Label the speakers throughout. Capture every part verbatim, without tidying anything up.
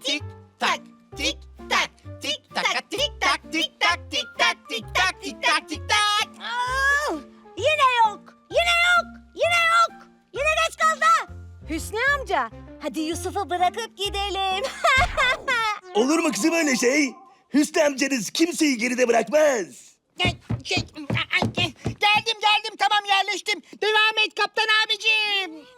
Speaker 1: Tik tak, tik tak, tik taka, tik tak, tik tak, tik tak, tik tak, tik tak, tik tak.
Speaker 2: Aa, yine yok. Yine yok. Yine yok. Yine geç kaldı. Hüsnü amca, hadi Yusuf'u bırakıp gidelim.
Speaker 3: Olur mu kızım öyle şey? Hüsnü amcanız kimseyi geride bırakmaz.
Speaker 1: Şey, geldim geldim tamam yerleştim. Devam et kaptan abicim.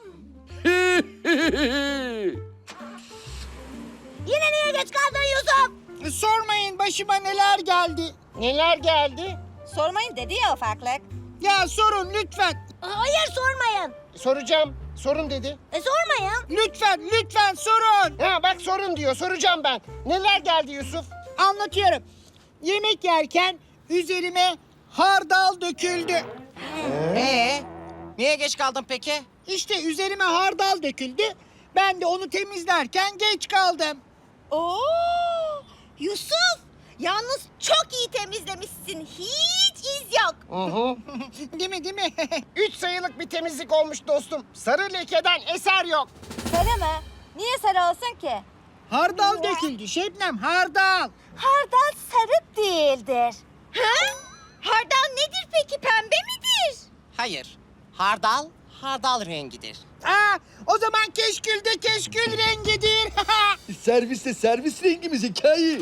Speaker 2: Yine niye geç kaldın Yusuf?
Speaker 1: Sormayın başıma neler geldi. Neler geldi?
Speaker 2: Sormayın dedi ya ufaklık.
Speaker 1: Ya sorun lütfen.
Speaker 2: Hayır sormayın.
Speaker 4: Soracağım. Sorun dedi.
Speaker 2: E sormayın.
Speaker 1: Lütfen lütfen sorun.
Speaker 4: Ha bak sorun diyor. Soracağım ben. Neler geldi Yusuf?
Speaker 1: Anlatıyorum. Yemek yerken üzerime hardal döküldü.
Speaker 5: Ee, niye geç kaldın peki?
Speaker 1: İşte üzerime hardal döküldü. Ben de onu temizlerken geç kaldım.
Speaker 2: Oo, Yusuf, yalnız çok iyi temizlemişsin. Hiç iz yok.
Speaker 4: Hı hı.
Speaker 1: Değil mi değil mi?
Speaker 4: Üç sayılık bir temizlik olmuş dostum. Sarı lekeden eser yok.
Speaker 2: Sarı mı? Niye sarı olsun ki?
Speaker 1: Hardal döküldü Şebnem hardal.
Speaker 2: Hardal sarı değildir. Ha? Hardal nedir peki? Pembe midir?
Speaker 5: Hayır. Hardal, hardal rengidir.
Speaker 1: Aa, o zaman keşkül de keşkül rengidir.
Speaker 3: Serviste servis rengimiz hikaye.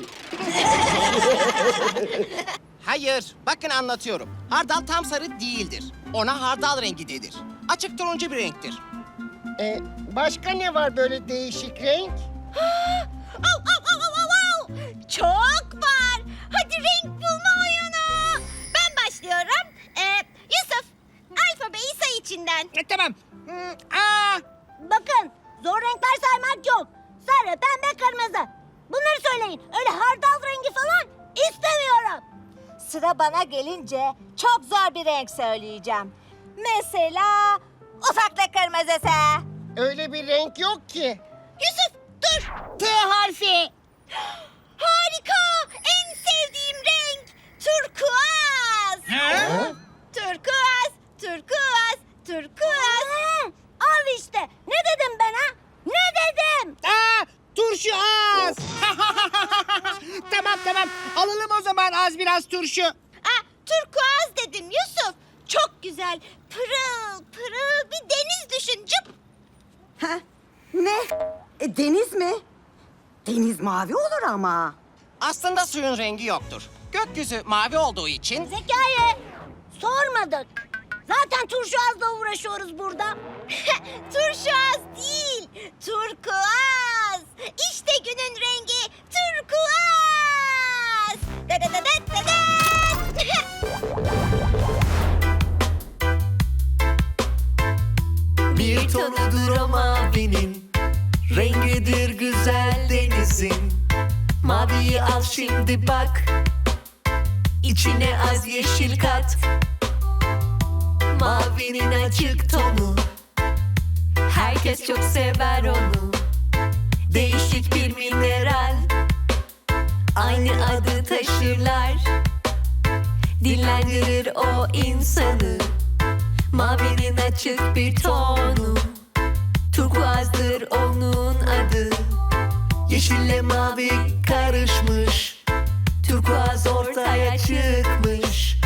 Speaker 5: Hayır, bakın anlatıyorum. Hardal tam sarı değildir. Ona hardal rengi denir. Açık turuncu bir renktir.
Speaker 4: Ee, başka ne var böyle değişik renk?
Speaker 2: Au, au, au, au, au, au. Çok var. Hadi renk bulma oyunu. Ben başlıyorum. Ee, Yusuf, alfabeyi say içinden.
Speaker 1: E, tamam. Hmm, aa,
Speaker 2: Bakın, zor renkler saymak yok. Sarı, pembe, kırmızı. Bunları söyleyin. Öyle hardal rengi falan istemiyorum. Sıra bana gelince çok zor bir renk söyleyeceğim. Mesela ufaklık kırmızısı.
Speaker 4: Öyle bir renk yok ki.
Speaker 2: Yusuf dur.
Speaker 1: T harfi.
Speaker 2: Harika. En sevdiğim renk. Turkuaz.
Speaker 1: Ha?
Speaker 2: Turkuaz, turkuaz, turkuaz. Al işte. Ne dedim ben ha? Ne dedim?
Speaker 1: Aa, turşu az. Tamam tamam. Alalım o zaman az biraz turşu.
Speaker 2: Aa, turkuaz dedim Yusuf. Çok güzel. Pırıl pırıl bir deniz düşün. Cıp.
Speaker 6: Ha? Ne? E, deniz mi? Deniz mavi olur ama.
Speaker 5: Aslında suyun rengi yoktur. Gökyüzü mavi olduğu için
Speaker 2: Zekai, sormadık. Zaten turşuazla uğraşıyoruz burada. Turşuaz değil, turkuaz. İşte günün rengi turkuaz. Da da da da da da.
Speaker 7: Bir tonudur o mavinin, rengidir güzel denizin. Maviyi al şimdi bak, içine az yeşil kat. Mavinin açık tonu, herkes çok sever onu. Değişik bir mineral, aynı adı taşırlar. Dinlendirir o insanı, mavinin açık bir tonu. Turkuazdır onun adı, yeşille mavi karışmış. Turkuaz ortaya çıkmış.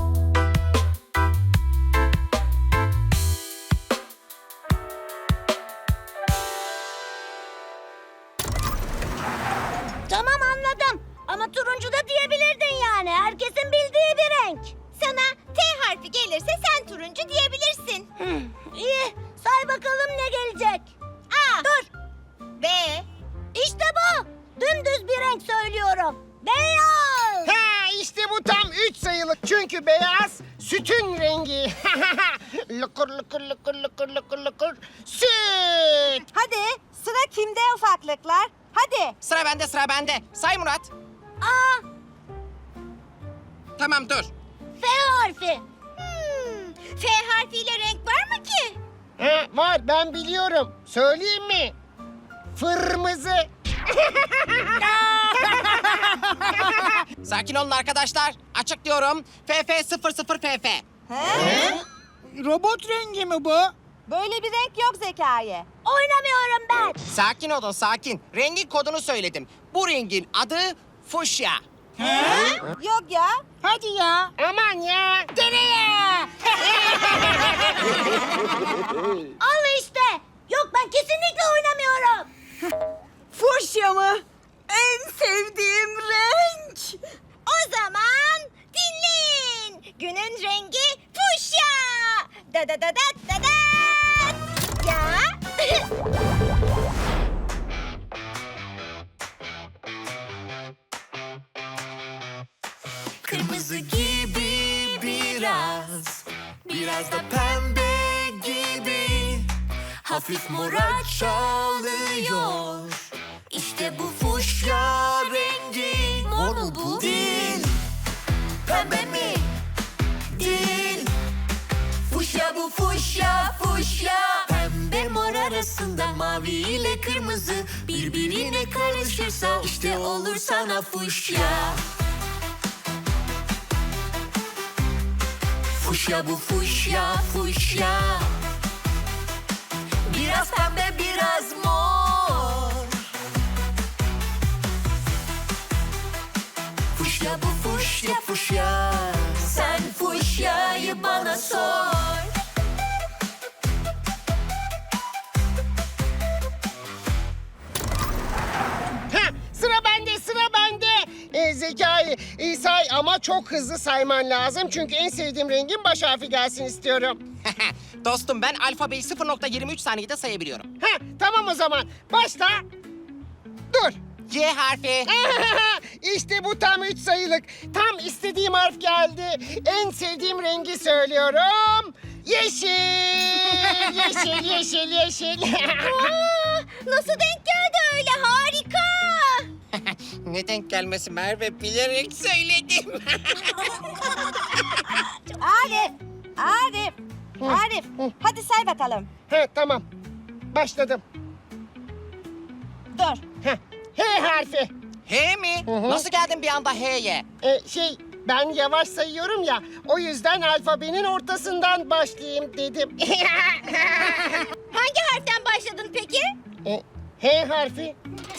Speaker 2: Tamam anladım. Ama turuncu da diyebilirdin yani. Herkesin bildiği bir renk. Sana T harfi gelirse sen turuncu diyebilirsin. İyi. Say bakalım ne gelecek. A. Dur. B. İşte bu. Dümdüz bir renk söylüyorum. Beyaz.
Speaker 4: Ha işte bu tam üç sayılık. Çünkü beyaz sütün rengi. Lıkır lıkır lıkır lıkır lıkır lıkır süt.
Speaker 2: Hadi sıra kimde ufaklıklar? Hadi.
Speaker 5: sıra bende sıra bende. Say Murat.
Speaker 2: A.
Speaker 5: Tamam dur.
Speaker 2: F harfi. Hmm, F harfiyle renk var mı ki?
Speaker 4: Ha, var ben biliyorum. Söyleyeyim mi? Fırmızı.
Speaker 5: Sakin olun arkadaşlar. Açıklıyorum. F F sıfır sıfır F F.
Speaker 1: Robot rengi mi bu?
Speaker 2: Böyle bir renk yok Zekai. Oynamıyorum ben.
Speaker 5: Sakin olun, sakin. Rengin kodunu söyledim. Bu rengin adı fuşya.
Speaker 2: Yok ya.
Speaker 4: Hadi ya. Aman ya. Dene ya.
Speaker 2: Al işte. Yok ben kesinlikle oynamıyorum.
Speaker 6: Fuşya mı? En sevdiğim renk.
Speaker 2: O zaman dinleyin. Günün rengi fuşya. Da da da da da da. Ya.
Speaker 7: Kırmızı gibi biraz, biraz da pembe gibi, hafif mora çalıyor. İşte bu fuşya rengi. Mor mu bu? Değil. Pembe mi? Değil. Fuşya bu, fuşya, fuşya. Pembe mor arasında mavi ile kırmızı birbirine karışırsa işte olur sana fuşya. Fuşya bu, fuşya, fuşya. Biraz pembe, biraz mor. Fuşya bu, fuşya, fuşya. Sen fuşyayı bana sor.
Speaker 4: Ha, sıra bende, sıra bende. Ee, Zekai, e, say ama çok hızlı sayman lazım. Çünkü en sevdiğim rengin baş harfi gelsin istiyorum.
Speaker 5: Dostum, ben alfabeyi sıfır nokta yirmi üç saniyede sayabiliyorum.
Speaker 4: Ha, tamam o zaman. Başla. Dur.
Speaker 5: C harfi.
Speaker 4: İşte bu tam üç sayılık. Tam istediğim harf geldi. En sevdiğim rengi söylüyorum. Yeşil, yeşil, yeşil, yeşil.
Speaker 2: Aa, nasıl denk geldi öyle? Harika.
Speaker 5: Ne denk gelmesi Merve, bilerek söyledim.
Speaker 2: Arif, Arif, Arif. Hadi say bakalım.
Speaker 4: Ha, tamam. Başladım.
Speaker 2: Dur.
Speaker 4: Heh, H harfi.
Speaker 5: H mi?
Speaker 4: hı.
Speaker 5: Nasıl geldin bir anda H'ye?
Speaker 4: Ee, şey, ben yavaş sayıyorum ya. O yüzden alfabenin ortasından başlayayım dedim.
Speaker 2: Hangi harften başladın peki?
Speaker 4: Ee, H harfi.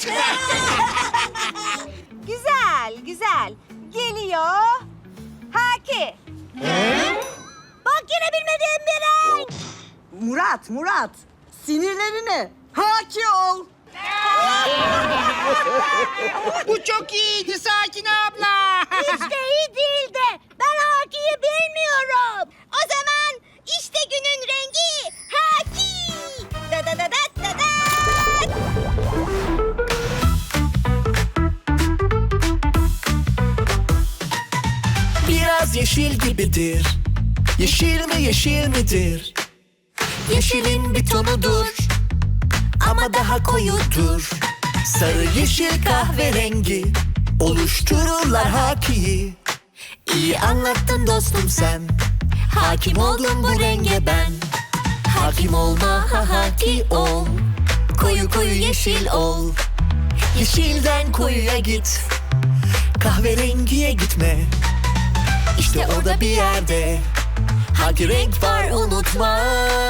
Speaker 2: Güzel, güzel. Geliyor. Haki. Bak yine bilmediğim bir renk.
Speaker 6: Murat, Murat. Sinirlerine haki ol.
Speaker 4: Bu çok iyiydi Sakin abla.
Speaker 2: Hiç de iyi değildi. Ben Haki'yi bilmiyorum. O zaman işte günün rengi Haki. Da da da da da da.
Speaker 7: Biraz yeşil gibidir. Yeşil mi, yeşil midir? Yeşilin bir tonudur ama daha koyudur. Sarı, yeşil, kahverengi oluştururlar Haki'yi. İyi anlattın dostum sen. Hakim oldum bu renge ben. Hakim olma, ha haki ol. Koyu koyu yeşil ol. Yeşilden koyuya git. Kahverengiye gitme. İşte orada bir yerde hangi renk var unutma.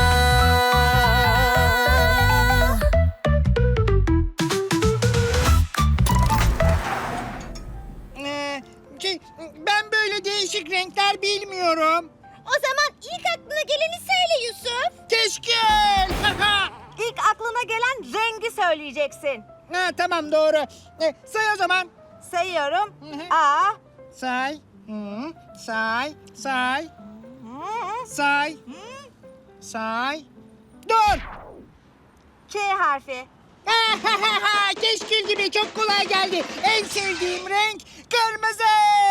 Speaker 4: Ee, şey, ben böyle değişik renkler bilmiyorum.
Speaker 2: O zaman ilk aklına geleni söyle Yusuf.
Speaker 4: Keşkül.
Speaker 2: İlk aklına gelen rengi söyleyeceksin.
Speaker 4: Ha, tamam doğru. Ee, say o zaman.
Speaker 2: Sayıyorum.
Speaker 4: hı.
Speaker 2: A.
Speaker 4: Say. Hı, say. Say. Say. Say. Dur.
Speaker 2: K harfi.
Speaker 4: Keşkül gibi çok kolay geldi. En sevdiğim renk kırmızı.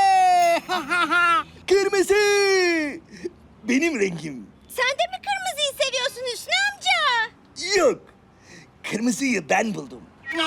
Speaker 3: Kırmızı! Benim rengim.
Speaker 2: Sen de mi kırmızıyı seviyorsun Hüsnü amca?
Speaker 3: Yok. Kırmızıyı ben buldum.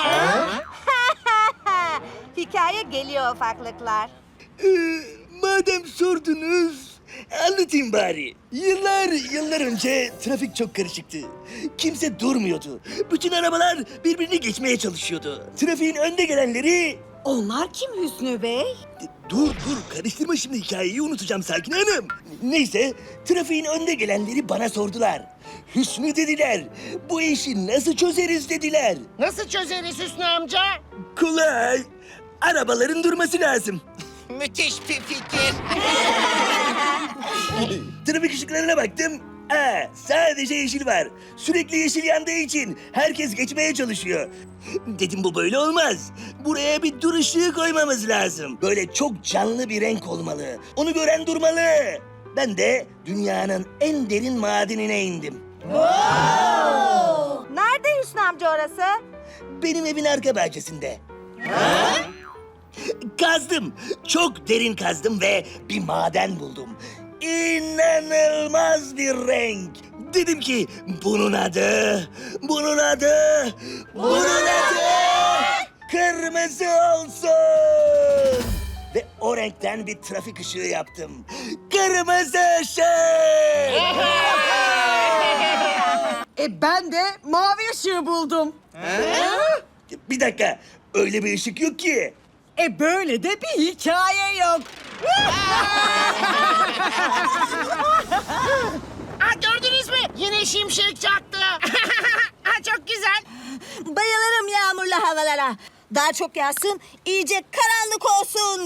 Speaker 2: Hikaye geliyor ufaklıklar.
Speaker 3: Ee, madem sordunuz, anlatayım bari. Yıllar, yıllar önce trafik çok karışıktı. Kimse durmuyordu. Bütün arabalar birbirini geçmeye çalışıyordu. Trafiğin önde gelenleri...
Speaker 6: Onlar kim Hüsnü Bey?
Speaker 3: dur dur karıştırma şimdi hikayeyi unutacağım Sakin Hanım. Neyse trafiğin önde gelenleri bana sordular. Hüsnü dediler. Bu işi nasıl çözeriz dediler.
Speaker 4: Nasıl çözeriz Hüsnü amca?
Speaker 3: Kolay. Arabaların durması lazım.
Speaker 5: Müthiş bir fikir.
Speaker 3: Trafik ışıklarına baktım. Aa, sadece yeşil var. Sürekli yeşil yandığı için herkes geçmeye çalışıyor. Dedim bu böyle olmaz. Buraya bir dur ışığı koymamız lazım. Böyle çok canlı bir renk olmalı. Onu gören durmalı. Ben de dünyanın en derin madenine indim.
Speaker 6: Nerede Hüsnü amca orası?
Speaker 3: Benim evin arka bahçesinde. Kazdım. Çok derin kazdım ve bir maden buldum. İnanılmaz bir renk. Dedim ki bunun adı, bunun adı, bunun adı kırmızı olsun. Ve o renkten bir trafik ışığı yaptım. Kırmızı ışık.
Speaker 6: E ben de mavi ışığı buldum.
Speaker 3: Bir dakika, öyle bir ışık yok ki.
Speaker 6: E böyle de bir hikaye yok.
Speaker 4: Aa, gördünüz mü? Yine şimşek çaktı. Aa, çok güzel.
Speaker 2: Bayılırım yağmurlu havalara. Daha çok yağsın, iyice karanlık olsun.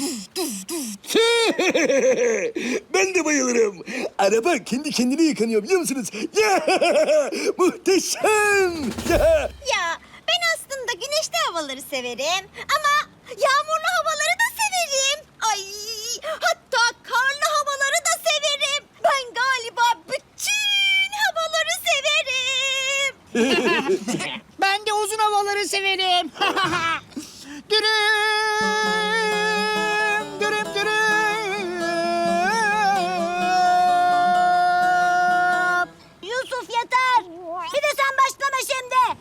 Speaker 3: Ben de bayılırım. Araba kendi kendine yıkanıyor biliyor musunuz? Ya, muhteşem. Ya.
Speaker 2: Ya ben aslında güneşli havaları severim ama yağmurlu havaları da severim. Ay hatta karlı havaları da severim. Ben galiba bütün havaları severim.
Speaker 4: Ben de uzun havaları severim. Dürüm, dürüm, dürüm.
Speaker 2: Yusuf yeter. Bir de sen başlama şimdi.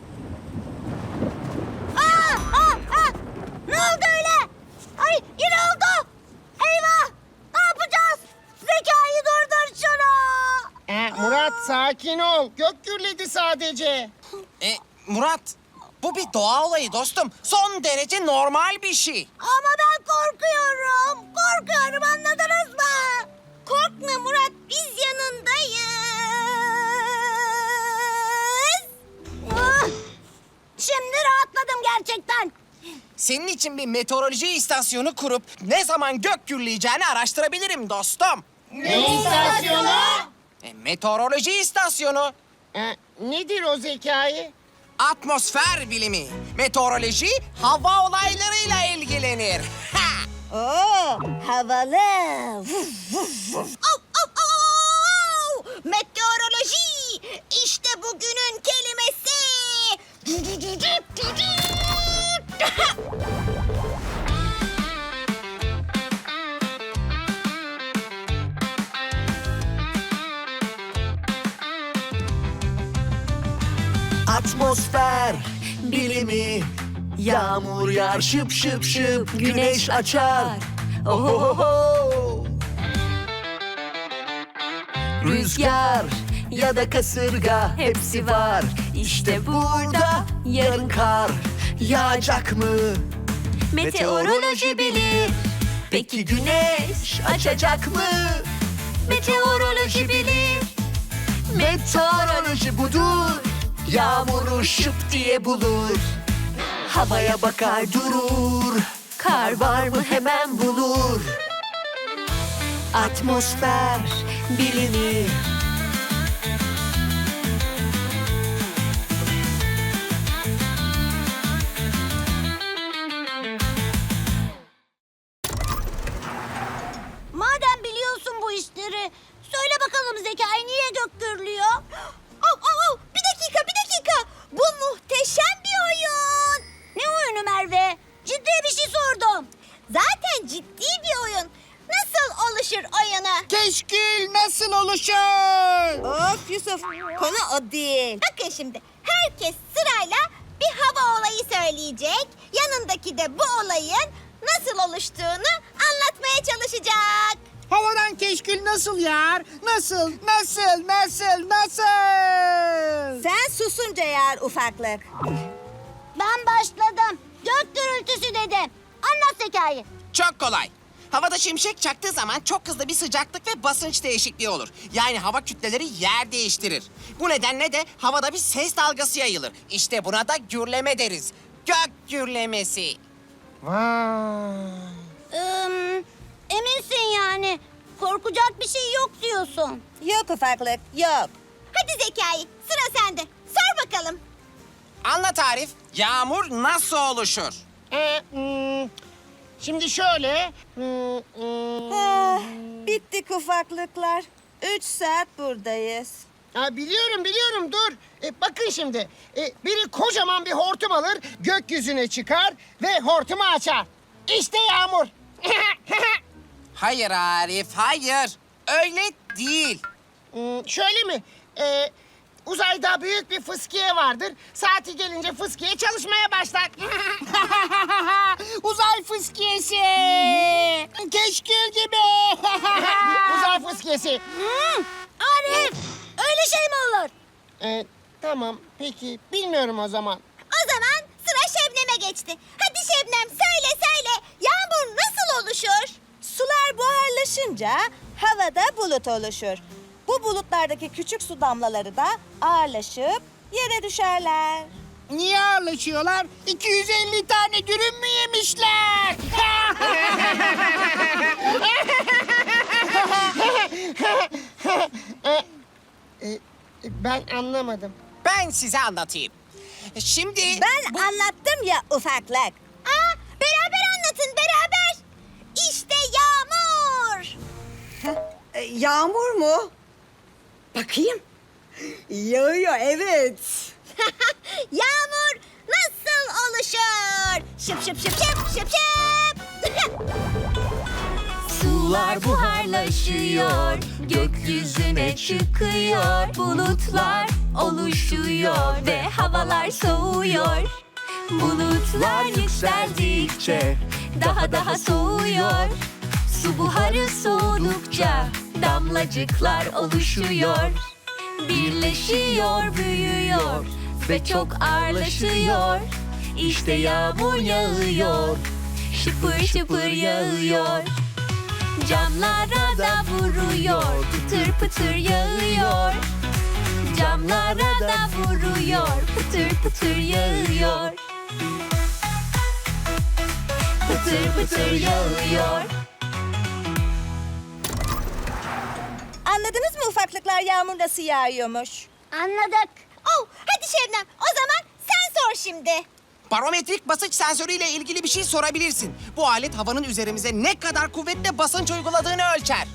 Speaker 2: Aa, aa, aa. Ne oldu öyle? Ay yine oldu. Eyvah. Ne yapacağız? Zekai durdur şunu.
Speaker 4: Ee, Murat sakin ol. Gök gürledi sadece.
Speaker 5: E, Murat, bu bir doğa olayı dostum. Son derece normal bir şey.
Speaker 2: Ama ben korkuyorum. Korkuyorum anladınız mı? Korkma Murat biz yanındayız. Ah, şimdi rahatladım gerçekten.
Speaker 5: Senin için bir meteoroloji istasyonu kurup ne zaman gök gürleyeceğini araştırabilirim dostum.
Speaker 4: Ne istasyonu?
Speaker 5: E, meteoroloji istasyonu.
Speaker 4: Ee, nedir o Zekai?
Speaker 5: Atmosfer bilimi. Meteoroloji hava olaylarıyla ilgilenir. Ha!
Speaker 2: Oo, havalı. Au, au, au! Meteoroloji. İşte bugünün kelimesi.
Speaker 7: Atmosfer bilimi. Yağmur yağar şıp şıp şıp, güneş açar. Ohohoho. Rüzgar ya da kasırga hepsi var. İşte burada yarın kar yağacak mı? Meteoroloji bilir. Peki güneş açacak mı? Meteoroloji bilir. Meteoroloji budur. Yağmuru şıp diye bulur. Havaya bakar durur. Kar var mı hemen bulur. Atmosfer bilimi.
Speaker 2: Madem biliyorsun bu işleri, söyle bakalım Zekai niye gök gürlüyor? Au, au, au, bir dakika, bir dakika. Bu muhteşem bir oyun. Ne oyunu Merve? Ciddi bir şey sordum. Zaten ciddi bir oyun. Nasıl oluşur oyunu?
Speaker 4: Keşkül nasıl oluşur?
Speaker 2: Of Yusuf, konu o değil. Bakın şimdi, herkes sırayla bir hava olayı söyleyecek. Yanındaki de bu olayın nasıl oluştuğunu anlatmaya çalışacak.
Speaker 4: Havadan keşkül nasıl yağar? Nasıl, nasıl, nasıl, nasıl?
Speaker 2: Sen susunca yağar ufaklık. Ben başladım. Gök gürültüsü dedim. Anlat Zekai.
Speaker 5: Çok kolay. Havada şimşek çaktığı zaman çok hızlı bir sıcaklık ve basınç değişikliği olur. Yani hava kütleleri yer değiştirir. Bu nedenle de havada bir ses dalgası yayılır. İşte buna da gürleme deriz. Gök gürlemesi.
Speaker 4: Vay.
Speaker 2: Ee, eminsin yani. Korkacak bir şey yok diyorsun.
Speaker 8: Yok ufaklık, yok.
Speaker 2: Hadi Zekai, sıra sende. Sor bakalım.
Speaker 5: Anlat Arif, yağmur nasıl oluşur?
Speaker 4: Ee, hmm, şimdi şöyle. hmm, hmm.
Speaker 8: Ah, bittik ufaklıklar. Üç saat buradayız.
Speaker 4: Ha, biliyorum biliyorum dur. E, bakın şimdi. E, biri kocaman bir hortum alır, gökyüzüne çıkar ve hortumu açar. İşte yağmur.
Speaker 5: Hayır Arif, hayır. Öyle değil.
Speaker 4: Hmm, şöyle mi? E, uzayda büyük bir fıskiye vardır. Saati gelince fıskiye çalışmaya başlar. Uzay fıskiyesi. Keşkül gibi. Uzay fıskiyesi.
Speaker 2: Hmm, Arif, öyle şey mi olur?
Speaker 4: E, tamam peki bilmiyorum o zaman.
Speaker 2: O zaman sıra Şebnem'e geçti. Hadi Şebnem söyle söyle. Yağmur nasıl oluşur?
Speaker 8: Sular buharlaşınca havada bulut oluşur. Bu bulutlardaki küçük su damlaları da ağırlaşıp yere düşerler.
Speaker 4: Niye ağırlaşıyorlar? iki yüz elli tane dürüm mü yemişler? E, e, ben anlamadım.
Speaker 5: Ben size anlatayım. Şimdi...
Speaker 8: Ben anlattım ya ufaklık.
Speaker 2: Aa, beraber anlatın beraber. İşte yağmur.
Speaker 6: E, yağmur mu? Bakayım. Yağıyor, evet.
Speaker 2: Yağmur nasıl oluşur? Şıp şıp şıp şıp şıp şıp.
Speaker 7: Sular buharlaşıyor, gökyüzüne çıkıyor, bulutlar oluşuyor ve havalar soğuyor. Bulutlar yükseldikçe daha daha soğuyor. Su buharı soğudukça damlacıklar oluşuyor. Birleşiyor, büyüyor ve çok ağırlaşıyor. İşte yağmur yağıyor, şıpır şıpır yağıyor. Camlara da vuruyor, pıtır pıtır yağıyor. Camlara da vuruyor, pıtır pıtır yağıyor. Pıtır pıtır yağıyor.
Speaker 8: Anladınız mı ufaklıklar yağmur nasıl yağıyormuş?
Speaker 2: Anladık. Oh, hadi Şebnem o zaman sen sor şimdi.
Speaker 5: Barometrik basınç sensörüyle ilgili bir şey sorabilirsin. Bu alet havanın üzerimize ne kadar kuvvetle basınç uyguladığını ölçer.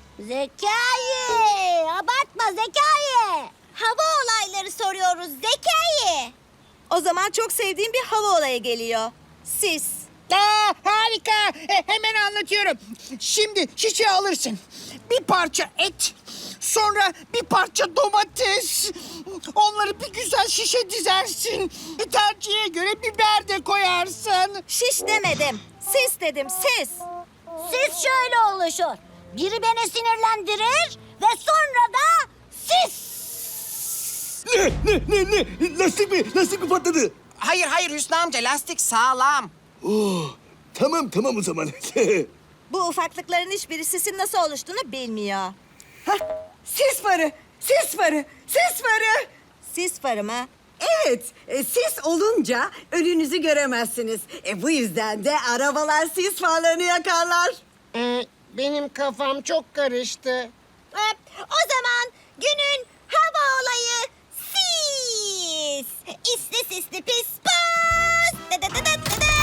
Speaker 2: Zekai, abartma Zekai. Hava olayları soruyoruz Zekai.
Speaker 8: O zaman çok sevdiğim bir hava olayı geliyor. Sis.
Speaker 4: Aa, harika. E, hemen anlatıyorum. Şimdi şişe alırsın. Bir parça et. Sonra bir parça domates. Onları bir güzel şişe dizersin. Tercihe göre biber de koyarsın.
Speaker 8: Şiş demedim. Sis dedim, sis.
Speaker 2: Sis şöyle oluşur. Biri beni sinirlendirir ve sonra da sis.
Speaker 3: Ne, ne, ne, ne? Lastik mi? Lastik mi patladı?
Speaker 5: Hayır hayır Hüsnü amca, lastik sağlam.
Speaker 3: Oh, tamam tamam o zaman.
Speaker 8: Bu ufaklıkların hiçbiri sisin nasıl oluştuğunu bilmiyor.
Speaker 6: Hah, sis farı, sis farı, sis farı.
Speaker 8: Sis farı mı?
Speaker 6: Evet, e, sis olunca önünüzü göremezsiniz. E, bu yüzden de arabalar sis farlarını yakarlar.
Speaker 4: Ee, benim kafam çok karıştı.
Speaker 2: Ee, o zaman günün hava olayı sis. İsli sisli pis pis. Dı dı dı dı dı dı.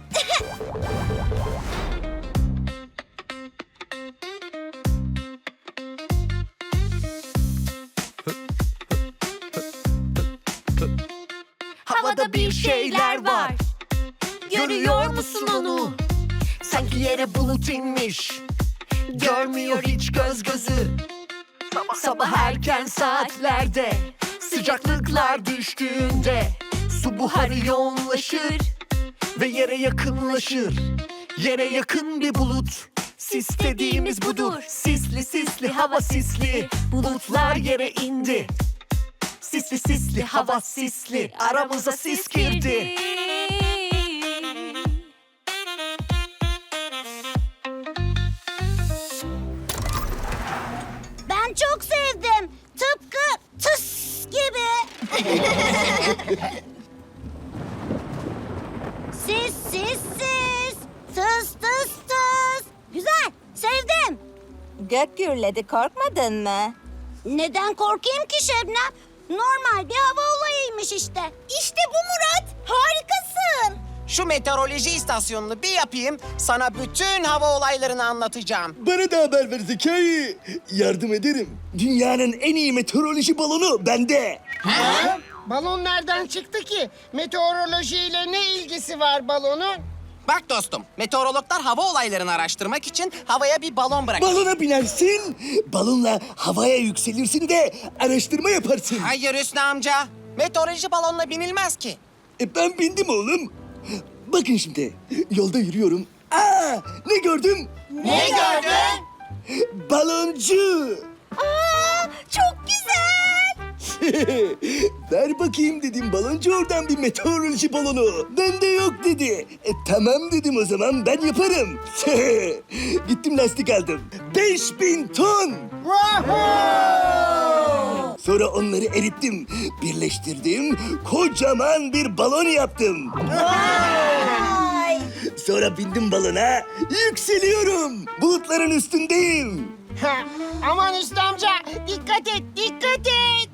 Speaker 7: Havada bir şeyler var. Görüyor musun onu? Sanki yere bulut inmiş. Görmüyor hiç göz gözü. Sabah erken saatlerde sıcaklıklar düştüğünde su buharı yoğunlaşır ve yere yakınlaşır. Yere yakın bir bulut. Sis dediğimiz budur. Sisli sisli hava sisli. Bulutlar yere indi. Sisli sisli hava sisli. Aramıza sis girdi.
Speaker 2: Sessiz. Tıs tıs tıs. Güzel, sevdim.
Speaker 8: Gök gürledi, korkmadın mı?
Speaker 2: Neden korkayım ki Şebnem? Normal bir hava olayıymış işte. İşte bu Murat. Harikasın.
Speaker 5: Şu meteoroloji istasyonunu bir yapayım, sana bütün hava olaylarını anlatacağım.
Speaker 3: Bana da haber ver Zekai. Yardım ederim. Dünyanın en iyi meteoroloji balonu bende.
Speaker 4: Balon nereden çıktı ki? Meteorolojiyle ne ilgisi var balonun?
Speaker 5: Bak dostum, meteorologlar hava olaylarını araştırmak için havaya bir balon bırakır.
Speaker 3: Balona binersin, balonla havaya yükselirsin de araştırma yaparsın.
Speaker 5: Hayır Hüsnü amca, meteoroloji balonla binilmez ki.
Speaker 3: E ben bindim oğlum. Bakın şimdi, yolda yürüyorum. Aa, ne gördüm?
Speaker 5: Ne gördün?
Speaker 3: Baloncu.
Speaker 2: Aa, çok güzel.
Speaker 3: Ver bakayım dedim baloncu oradan bir meteoroloji balonu. Bende yok dedi. E, tamam dedim o zaman ben yaparım. Gittim lastik aldım. Beş bin ton. Sonra onları erittim. Birleştirdim. Kocaman bir balon yaptım. Sonra bindim balona. Yükseliyorum. Bulutların üstündeyim.
Speaker 4: Ha, aman Hüsnü amca, dikkat et, dikkat et.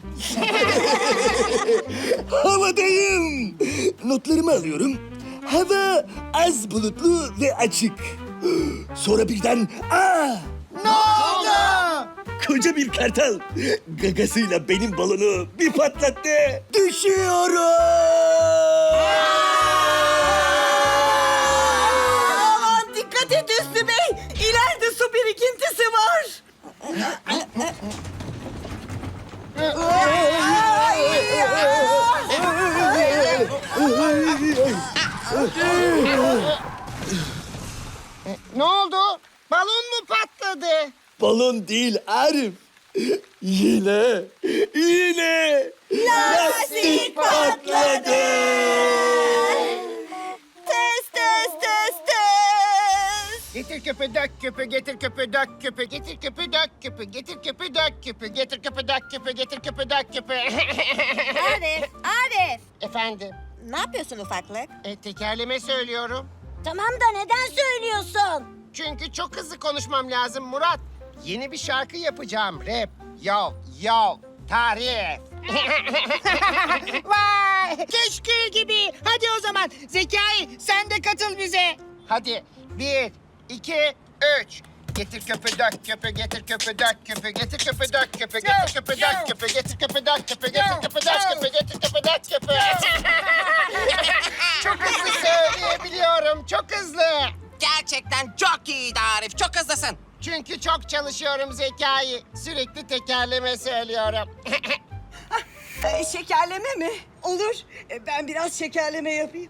Speaker 3: Havadayım. Notlarımı alıyorum. Hava az bulutlu ve açık. Sonra birden aa!
Speaker 4: Ne oldu?
Speaker 3: Koca bir kartal gagasıyla benim balonu bir patlattı. Düşüyorum.
Speaker 6: Aman dikkat et Hüsnü Bey. İleride su birikintisi var.
Speaker 4: Ne oldu? Balon mu patladı?
Speaker 3: Balon değil Arif. Yine, yine lastik patladı.
Speaker 2: Tıs tıs tıs tıs.
Speaker 4: Getir köpü dök köpü, getir köpü dök köpü, getir köpü dök köpü, getir köpü dök köpü, getir köpü dök köpü, getir köpü dök köpü.
Speaker 8: Arif, Arif.
Speaker 4: Efendim,
Speaker 8: Ne yapıyorsun ufaklık?
Speaker 4: e, tekerleme söylüyorum.
Speaker 2: Tamam da neden söylüyorsun?
Speaker 4: Çünkü çok hızlı konuşmam lazım Murat. Yeni bir şarkı yapacağım, rap. Yo, yo, tarif. Vay, keşkül gibi. Hadi o zaman Zekai, sen de katıl bize. Hadi, bir, iki, üç. Getir köpü dök köpü, getir köpü dök köpü, getir köpü dök köpü, getir köpü dök köpü, getir köpü dök köpü, getir köpü dök köpü, getir köpü dök köpü. Çok hızlı söyleyebiliyorum, çok hızlı.
Speaker 5: Gerçekten çok iyiydi Arif, çok hızlısın.
Speaker 4: Çünkü çok çalışıyorum Zekai. Sürekli tekerleme söylüyorum.
Speaker 6: Ee, şekerleme mi? Olur. Ee, ben biraz şekerleme yapayım.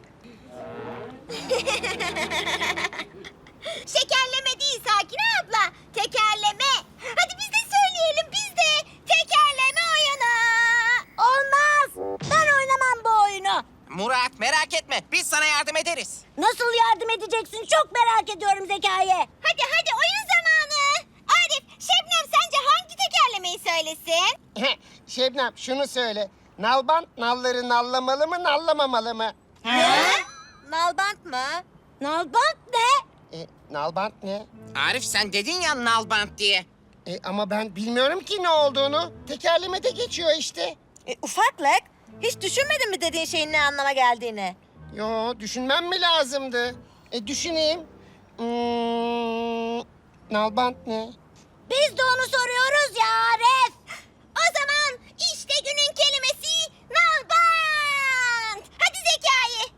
Speaker 2: Şekerleme değil Sakine abla. Tekerleme. Hadi biz de söyleyelim biz de. Tekerleme oyunu. Olmaz. Ben oynamam bu oyunu.
Speaker 5: Murat merak etme, biz sana yardım ederiz.
Speaker 2: Nasıl yardım edeceksin? Çok merak ediyorum Zekai. Hadi hadi oyun zamanı. Arif, Şebnem sence hangi tekerlemeyi söylesin?
Speaker 4: Şebnem şunu söyle. Nalbant nalları nallamalı mı nallamamalı mı?
Speaker 2: Nalbant mı? Nalbant ne?
Speaker 4: E, nalbant ne?
Speaker 5: Arif sen dedin ya nalbant diye.
Speaker 4: E, ama ben bilmiyorum ki ne olduğunu. Tekerlemede geçiyor işte.
Speaker 8: E, ufaklık, hiç düşünmedin mi dediğin şeyin ne anlama geldiğini?
Speaker 4: Yo, düşünmem mi lazımdı? E, düşüneyim. Hmm, nalbant ne?
Speaker 2: Biz de onu soruyoruz ya Arif. O zaman işte günün kelimesi nalbant. Hadi Zekai.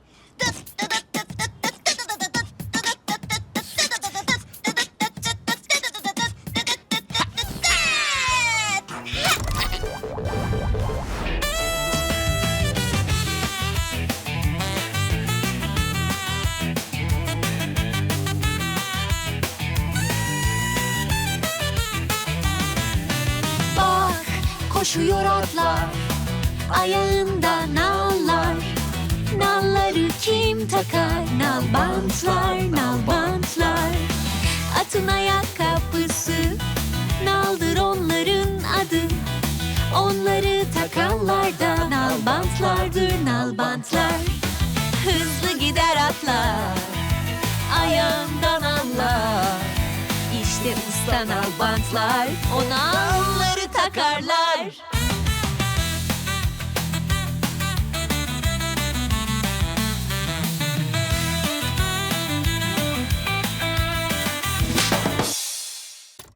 Speaker 7: Bak koşuyor atlar, ayağında nallar. Nalları kim takar? Nalbantlar, nalbantlar. Atın ayakkabısı, naldır onların adı. Onları takanlar da nalbantlardır, nalbantlar. Hızlı gider atlar, sanal bantlar. Ona onları takarlar.